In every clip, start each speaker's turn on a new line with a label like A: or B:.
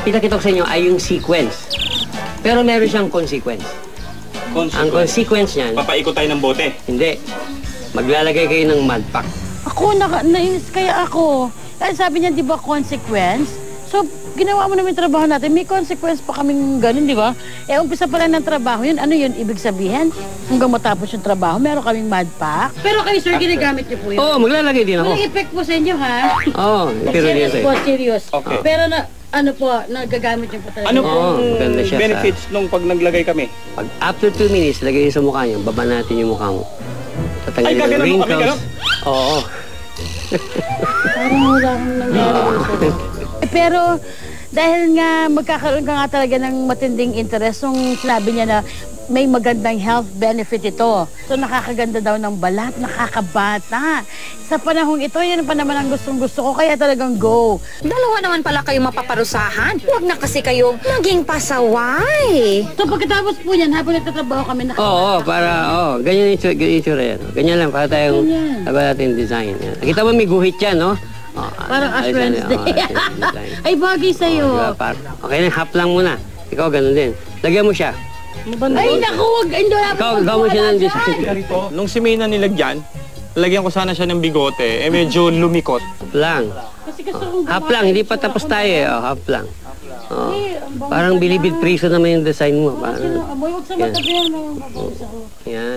A: pinakita ko sa inyo ay yung sequence. Pero meron siyang consequence. Ang consequence niyan...
B: Papaikot tayo ng bote?
A: Hindi. Maglalagay kayo ng mud pack.
C: Ako, nainis kaya ako. Kasi sabi niya, di ba, consequence? So, ginawa mo namin yung trabaho natin. May consequence pa kaming ganun, di ba? Eh, umpisa pa lang ng trabaho yun. Ano yun? Ibig sabihin, hanggang matapos yung trabaho, meron kaming mud pack. Pero kayo, sir, ginagamit niyo po yun?
A: Oo, maglalagay din ako.
C: Walang effect po sa inyo, ha?
A: Oo, pero din sa'yo.
C: Serious.
B: Okay.
C: Pero ano po, nagagamit niyo po talaga.
B: Ano pong
A: siya
B: benefits nung pag naglagay kami?
A: Pag after 2 minutes, lagay sa mukha niyo, baba natin yung mukha mo.
B: Ay, gagano'n mo kami, gano'n?
A: Oo.
C: Parang wala akong nangyari. Pero dahil nga magkakaroon ka nga talaga ng matinding interest nung sinabi niya na may magandang health benefit ito. So nakakaganda daw ng balat, nakakabata. Sa panahong ito, yan pa naman ang gustong-gusto ko, kaya talagang go.
D: Dalawa naman pala kayong mapaparusahan. Huwag na kasi kayong maging pasaway.
C: So pagkatapos po yan, habang nagtatrabaho kami,
A: Oo, ganyan yung itsura yan. Ganyan lang, para tayong natin design. Yan. Nakita mo may guhit yan, no?
C: parang Ash Wednesday. Ay, bagay sa'yo.
A: Okay na, half lang muna. Ikaw, ganun din. Lagyan mo siya.
C: Ay, naku, wag.
A: Ikaw mo siya ng design.
B: Nung si May na nilagyan, lagyan ko sana siya ng bigote, medyo lumikot.
A: Lang. Half lang, hindi pa tapos tayo eh. Half lang. Parang bilibid priso naman yung design mo.
C: Huwag sa mata ko yan.
A: Yan.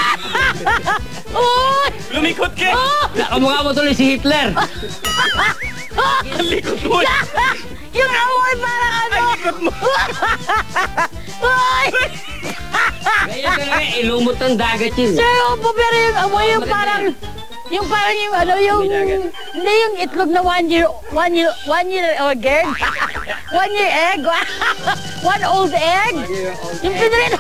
B: Lumikot ka!
A: Nakamukha mo tuloy si Hitler.
B: Ang likot mo!
C: Yung amoy parang ano!
B: Ang likot mo!
A: Ganyan talaga, ilumot ng dagat yun.
C: Sir, opo, pero yung amoy yung parang... Yung parang yung ano, yung... Hindi yung itlog na one year old girl. 1 year egg. 1 old egg. Yung pinrino.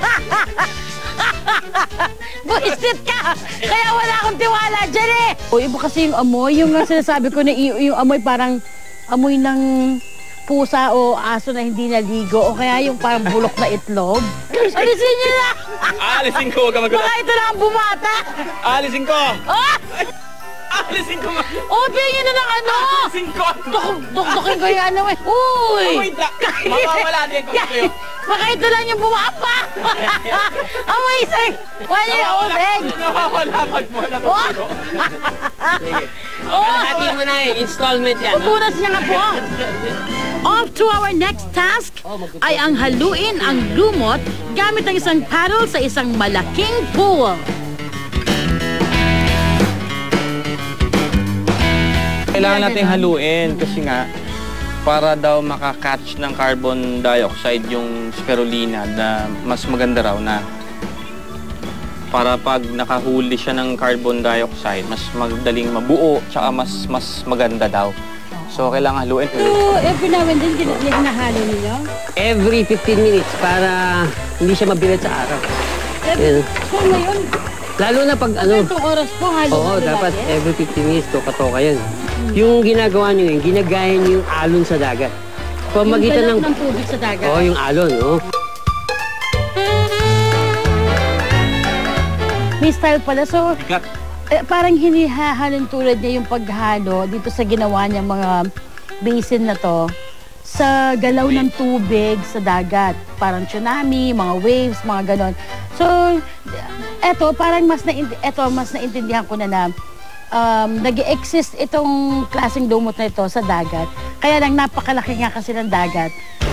C: Buisit ka! Kaya wala akong tiwala dyan eh! O iba kasi yung amoy, yung sinasabi ko na yung amoy parang amoy ng pusa o aso na hindi naligo o kaya yung parang bulok na itlog. Alisin niyo na!
B: Alisin ko, huwag ka magulat.
C: Baka ito na ang bumata!
B: Alisin ko!
C: Oh!
B: Alisin ko!
C: Oh, tingin na ng ano!
B: Alisin ko!
C: Dukdukin ko yung ano eh. Uy!
B: Wait lang! Mawawala din ko sa'yo.
C: Baka ito lang yung bumapa! Amazing! 1 year old egg!
B: Nawawala pag mo na
C: Oh!
A: Kalahati mo na eh, installment yan.
C: Pupunas niya nga po. Off to our next task ay ang haluin ang lumot gamit ang isang paddle sa isang malaking pool.
B: Kailangan natin haluin kasi nga para daw makakatch ng carbon dioxide yung spirulina na mas maganda raw na para pag nakahuli siya ng carbon dioxide, mas madaling mabuo tsaka mas maganda daw. So, kailangan haluin.
C: So, every now and then, hinahalo ninyo?
A: Every 15 minutes para hindi siya mabigat sa araw.
C: So, ngayon,
A: lalo na pag ano...
C: itong oras po, halo
A: Oo, dapat every 15 minutes, toka-toka yun. Yung ginagawa nyo yun, ginagaya nyo yung alon sa dagat.
C: Pamagitan ng tubig sa dagat?
A: Oo, yung alon, oo.
C: May style pala. So, parang hinihahalin tulad niya yung paghalo dito sa ginawa niya mga basin na to sa galaw ng tubig sa dagat. Parang tsunami, mga waves, mga ganon. So, eto, parang mas naintindihan ko na nag-exist itong klaseng lumot na ito sa dagat. Kaya lang napakalaki nga kasi ng dagat.